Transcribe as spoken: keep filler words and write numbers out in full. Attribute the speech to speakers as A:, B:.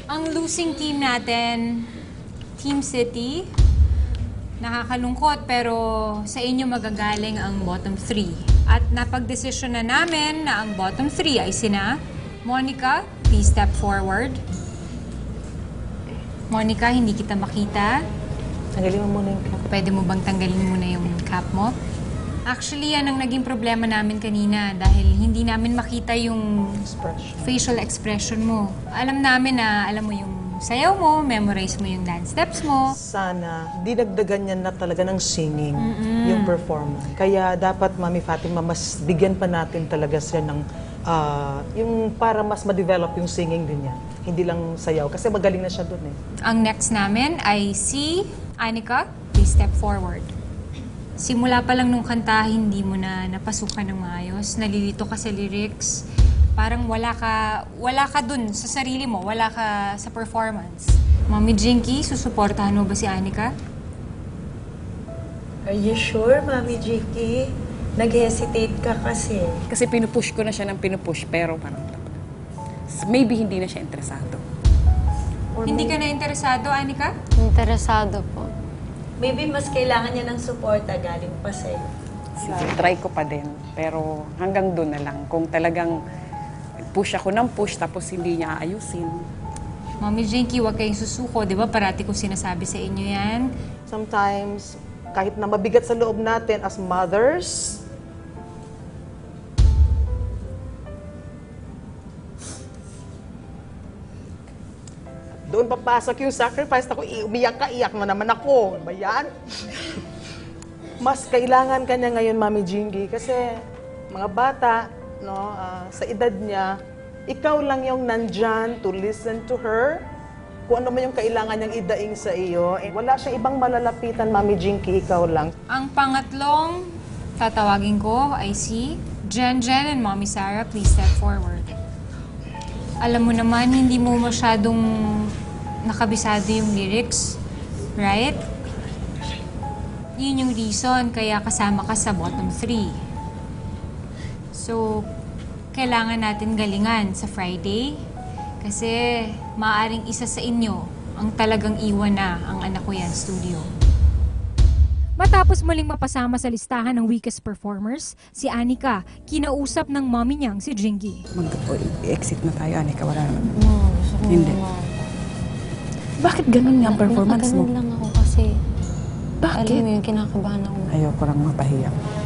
A: Ang losing team natin, Team City, nakakalungkot pero sa inyo magagaling ang bottom three. At napag-desisyon na namin na ang bottom three ay sina Monica, please step forward. Monica, hindi kita makita.
B: Tanggalin mo muna yung cap.
A: Pwede mo bang tanggalin muna yung cap mo? Actually, yan ang naging problema namin kanina dahil hindi namin makita yung
B: Expression.
A: facial expression mo. Alam namin na, alam mo yung sayaw mo, memorize mo yung dance steps mo.
B: Sana, dinagdagan niya na talaga ng singing, yung performance. Kaya dapat, Mami Fatima, mas bigyan pa natin talaga siya ng, ah, yung para mas ma-develop yung singing din niya. Hindi lang sayaw, kasi magaling na siya dun eh.
A: Ang next namin ay si Anika. Please step forward. Simula pa lang nung kanta, hindi mo na napasukan ng maayos. Nalilito ka sa lyrics. Parang wala ka, wala ka dun sa sarili mo. Wala ka sa performance. Mami Jinky, susuportahan mo ba si Anika?
C: Are you sure, Mami Jiki? Nag-hesitate ka kasi.
D: Kasi pinupush ko na siya ng pinupush, pero parang maybe hindi na siya interesado.
A: Hindi ka na interesado, Anika?
E: Interesado po.
C: Maybe mas kailangan niya ng suporta galing pa sa'yo.
D: Sige, try ko pa din. Pero hanggang doon na lang. Kung talagang push ako ng push tapos hindi niya ayusin.
A: Mami Jinky, huwag kayong susuko. Di ba parati ko sinasabi sa inyo yan?
B: Sometimes, kahit na mabigat sa loob natin as mothers, doon papasok yung sacrifice. Ako, umiyak ka, iyak na naman ako. Ba yan? Mas kailangan ka niya ngayon, Mami Jingy, kasi mga bata, no, ah, sa edad niya, ikaw lang yung nandyan to listen to her. Kung ano man yung kailangan niyang idaing sa iyo. Eh, wala siyang ibang malalapitan, Mami Jinky, ikaw lang.
A: Ang pangatlong tatawagin ko ay si Jen Jen and Mommy Sarah. Please step forward. Alam mo naman, hindi mo masyadong nakabisado yung lyrics, right? Yun yung reason kaya kasama ka sa bottom three. So, kailangan natin galingan sa Friday kasi maaaring isa sa inyo ang talagang iwan na ang anak ko yan studio.
F: Matapos muling mapasama sa listahan ng weakest performers, si Anika, kinausap ng mommy niyang si Jingy.
D: Mag-exit na tayo, Anika. Wala naman.
E: No, gusto ko
D: Hindi.
E: naman.
D: Bakit ganun nga ang performance mo?
E: Nakaganon lang ako kasi,
D: Bakit?
E: alam mo yung kinakabahan ako.
D: Ayoko lang mapahiya.